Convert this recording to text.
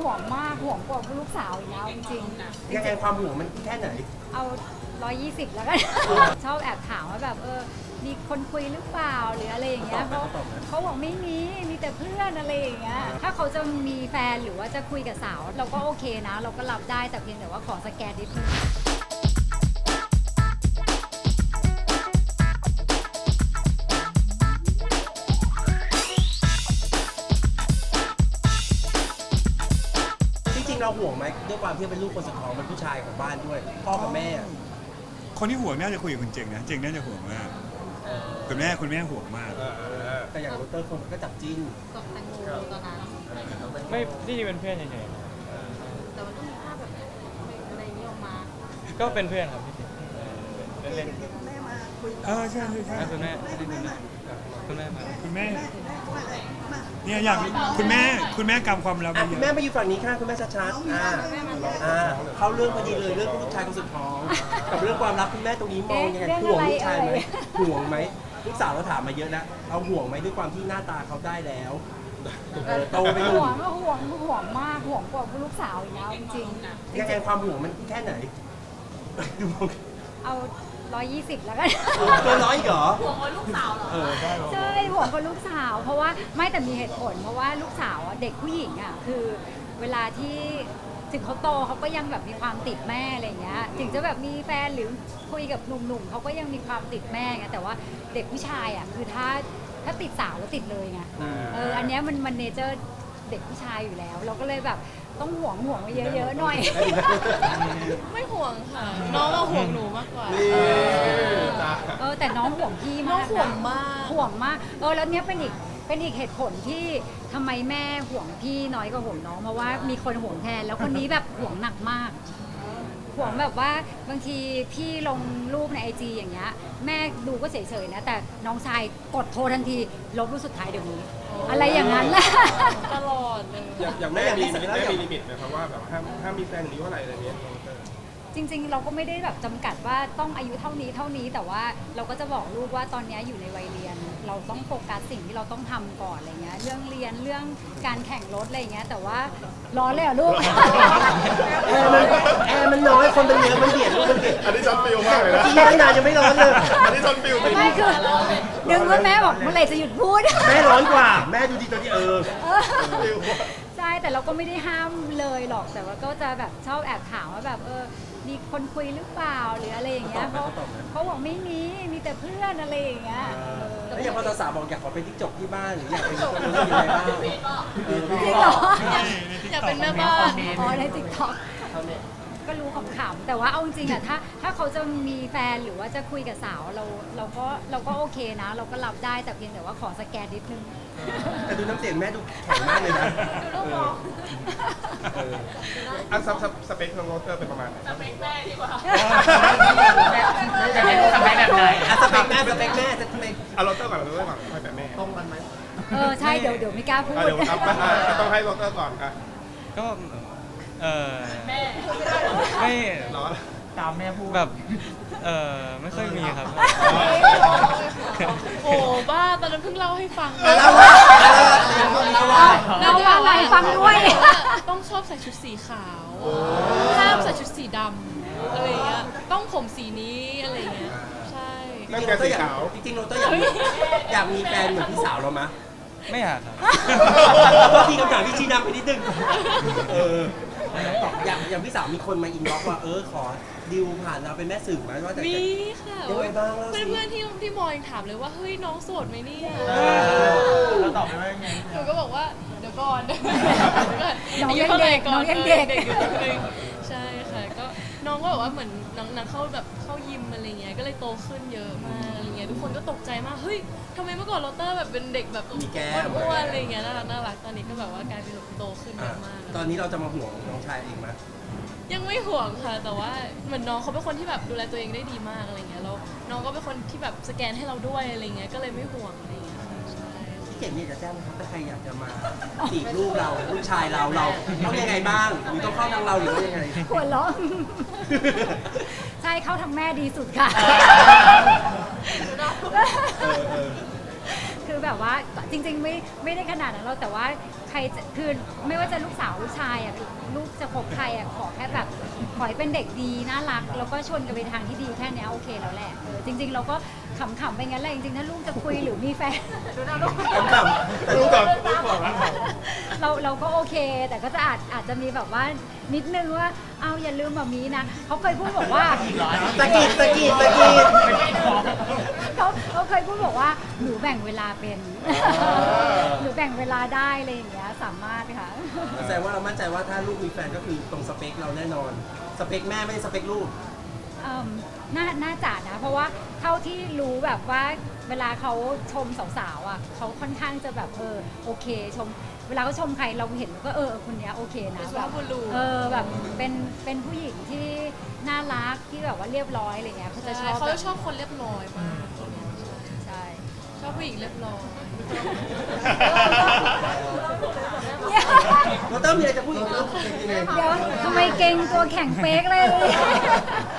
ห่วงมากห่วงกว่าลูกสาวอีกแล้วจริงๆยังไงความห่วงมันแค่ไหนเอา120แล้วกันชอบแอบถามว่าแบบมีคนคุยหรือเปล่าหรืออะไรอย่างเงี้ยเขาบอกไม่มีแต่เพื่อนอะไรอย่างเงี้ยถ้าเขาจะมีแฟนหรือว่าจะคุยกับสาวเราก็โอเคนะเราก็รับได้แต่เพียงแต่ว่าขอสแกนนิดนึงจริงๆเราห่วงไหมด้วยความที่เป็นลูกคนสุดท้องเป็นผู้ชายของบ้านด้วยพ่อกับแม่คนที่ห่วงน่าจะคุยกับคุณเจงนะเจงน่าจะห่วงมากคุณแม่ห่วงมากแต่อย่างโรเตอร์คนก็จับจิ้นกับแตงโมตอนนั้นไม่ที่เป็นเพื่อนเฉยแต่มันต้องมีภาพแบบอะไรนี้ออกมาๆก็เป็นเพื่อนครับพี่เล่นใช่คุณแม่มาคุณแม่เนี่ยอยากคุณแม่กำความลับคุณแม่มาอยู่ฝั่งนี้ค่ะคุณแม่ชัดๆเข้าเรื่องพอดีเลยเรื่องลูกชายคนสุดท้องกับเรื่องความรักคุณแม่ตรงนี้มองยังไงห่วงลูกชายไหมห่วงไหมลูกสาวเราถามมาเยอะนะเราห่วงไหมด้วยความที่หน้าตาเขาได้แล้วโตไปหนุ่มห่วงมากห่วงกว่าลูกสาวอีกแล้วจริงๆยังไงความห่วงมันแค่ไหนเอา120แล้วกันเกิน100เหรอห่วงลูกสาวเหรอใช่ห่วงกับลูกสาวเพราะว่าไม่แต่มีเหตุผลเพราะว่าลูกสาวเด็กผู้หญิงคือเวลาที่ถึงเขาโตเขาก็ยังแบบมีความติดแม่อะไรเงี้ยถึงจะแบบมีแฟนหรือคุยกับหนุ่มๆเขาก็ยังมีความติดแม่ไงแต่ว่าเด็กผู้ชายคือถ้าติดสาวแล้วติดเลยไงอันเนี้ยมันเนเจอร์เด็กผู้ชายอยู่แล้วเราก็เลยแบบต้องห่วงไว้เยอะๆหน่อยไม่ห่วงค่ะน้องห่วงหนูมากกว่าแต่น้องห่วงพี่มากห่วงมากแล้วเนี้ยเป็นอีกเหตุผลที่ทำไมแม่ห่วงพี่น้อยกว่าห่วงน้องเพราะว่ามีคนห่วงแทนแล้วคนนี้แบบห่วงหนักมากห่วงแบบว่าบางทีพี่ลงรูปในIGอย่างเงี้ยแม่ดูก็เฉยๆนะแต่น้องชายกดโทรทันทีลบรูปสุดท้ายเดี๋ยวนี้อะไรอย่างนั้นแหละตลอดเลยอย่างแม่มีลิมิตไหมครับว่าแบบห้ามมีแฟนหรือว่าอะไรเงี้ยจริงๆเราก็ไม่ได้แบบจำกัดว่าต้องอายุเท่านี้แต่ว่าเราก็จะบอกลูกว่าตอนนี้อยู่ในวัยเรียนเราต้องโฟกัสสิ่งที่เราต้องทำก่อนอะไรเงี้ยเรื่องเรียนเรื่องการแข่งรถอะไรเงี้ยแต่ว่าร้อนเลยลูกแอร์มันน้อยคนมันเยอะมันเบียดลูกมันเบียดอันนี้ช็อตฟิลมากเลยนะที่ไม่นานยังไม่ร้อนเลยอันนี้ช็อตฟิลไม่คือดึงว่าแม่บอกเมื่อไหร่จะหยุดพูดแม่ร้อนกว่าแม่ดูดีตอนที่ใช่แต่เราก็ไม่ได้ห้ามเลยหรอกแต่ว่าก็จะแบบชอบแอบถามว่าแบบมีคนคุยหรือเปล่าหรืออะไรอย่างเงี้ยเขาบอกไม่มีแต่เพื่อนอะไรอย่างเงี้ยแล้วอย่างพอสาวบอกอยากขอเป็นติ๊กจกที่บ้านหรืออยากเป็นคนรู้ยังไงบ้างจริงเหรออยากเป็นแม่บ้านในTikTokก็รู้ขำๆแต่ว่าเอาจริงถ้าเขาจะมีแฟนหรือว่าจะคุยกับสาวเราก็โอเคนะเราก็รับได้แต่เพียงแต่ว่าขอสแกนนิดนึงแต่ดูน้ำเสียงแม่ดูแข็งมากเลยนะดูลูกมองสเปคของโรเตอร์เป็นประมาณไหนสเปคแม่ดีกว่าสเปคแบบไหนสเปคแม่โรเตอร์ก่อนให้แบบแม่ตรงกันไหมใช่เดี๋ยวไม่กล้าพูดเดี๋ยวต้องให้โรเตอร์ก่อนก็ไม่ตามแม่พูดแบบไม่ค่อยมีครับโอ้บ้าตอนนั้นเพิ่งเล่าให้ฟังเราอะไรฟังด้วยต้องชอบใส่ชุดสีขาวห้ามใส่ชุดสีดำอะไรเงี้ยต้องผมสีนี้อะไรเงี้ยใช่จริงๆโรเตอร์อยากมีแฟนเหมือนพี่สาวเราไหมไม่อยากครับก็ทีคำถามที่ชี้นำไปนิดนึงอย่างพี่สาวมีคนมาอินบ็อกซ์ว่าขอดิวผ่านเราเป็นแม่สื่อไหมว่ามีค่ะเพื่อนที่มอยังถามเลยว่าเฮ้ยน้องโสดไหมเนี่ยเราตอบได้ไงหนูก็บอกว่าเดี๋ยวก่อนน้องยังเด็กอยู่ใช่ค่ะก็น้องก็บอกว่าเหมือนนางเข้ายิมอะไรเงี้ยก็เลยโตขึ้นเยอะมากอะไรเงี้ยทุกคนก็ตกใจมากเฮ้ยทำไมเมื่อก่อนโรเตอร์แบบเป็นเด็กแบบอ้วนๆอะไรเงี้ยน่ารักตอนนี้ก็แบบว่ากลายเป็นโตขึ้นเยอะมากตอนนี้เราจะมาห่วงน้องชายเองไหมยังไม่ห่วงค่ะแต่ว่าเหมือนน้องเขาเป็นคนที่แบบดูแลตัวเองได้ดีมากอะไรเงี้ยแล้วน้องก็เป็นคนที่แบบสแกนให้เราด้วยอะไรเงี้ยก็เลยไม่ห่วงอะไรเงี้ยพี่เก่งเนี่ยจะแจ้งนะครับถ้าใครอยากจะมาจีบลูกเราลูกชายเราต้องยังไงบ้างหรือต้องเข้าทางเราหรือว่ายังไงหัวเราะใช่เข้าทางแม่ดีสุดค่ะคือแบบว่าจริงๆไม่ได้ขนาดนั้นเราแต่ว่ารจะคือไม่ว่าจะลูกสาวลูกชายอ่ะลูกจะคบใครอ่ะขอแค่แบบขอให้เป็นเด็กดีน่ารักแล้วก็ชวนกันไปทางที่ดีแค่เนี้ยโอเคแล้วแหละจริง ๆ เราก็ขำๆไปงั้นแหละจริงๆถ้าลูกจะคุยหรือมีแฟนคำๆแต่ลูกกับเราก็โอเค แต่ก็จะอาจจะมีแบบว่านิดนึงว่าเอาอย่าลืมแบบนี้นะเขาเคยพูดบอกว่าตะกีดเขาเคยพูดบอกว่าหนูแบ่งเวลาเป็นหนูแบ่งเวลาได้อะไรอย่างเงี้ยสามารถค่ะแสดงว่าเรามั่นใจว่าถ้าลูกมีแฟนก็คือตรงสเปคเราแน่นอน สเปคแม่ไม่ใช่สเปคลูกน่าจะนะ เพราะว่าเท่าที่รู้แบบว่าเวลาเขาชมสาวๆอ่ะเขาค่อนข้างจะแบบโอเคชม เวลาเขาชมใครเราเห็นก็คนเนี้ยโอเคนะเป็นสุแบภาบพบุรุษแบบเป็นผู้หญิงที่น่ารักที่แบบว่าเรียบร้อยอะไรเงี้ยเขาจะชอบเขาแบจะบชอบคนเรียบร้อยมากใช่ชอบผู้หญิงเรียบร้อยเราเติมมีอะไรจะพูดอีกเรื่องยังไงเดี๋ยวทำไมเก่งตัวแข็งเป๊กเลย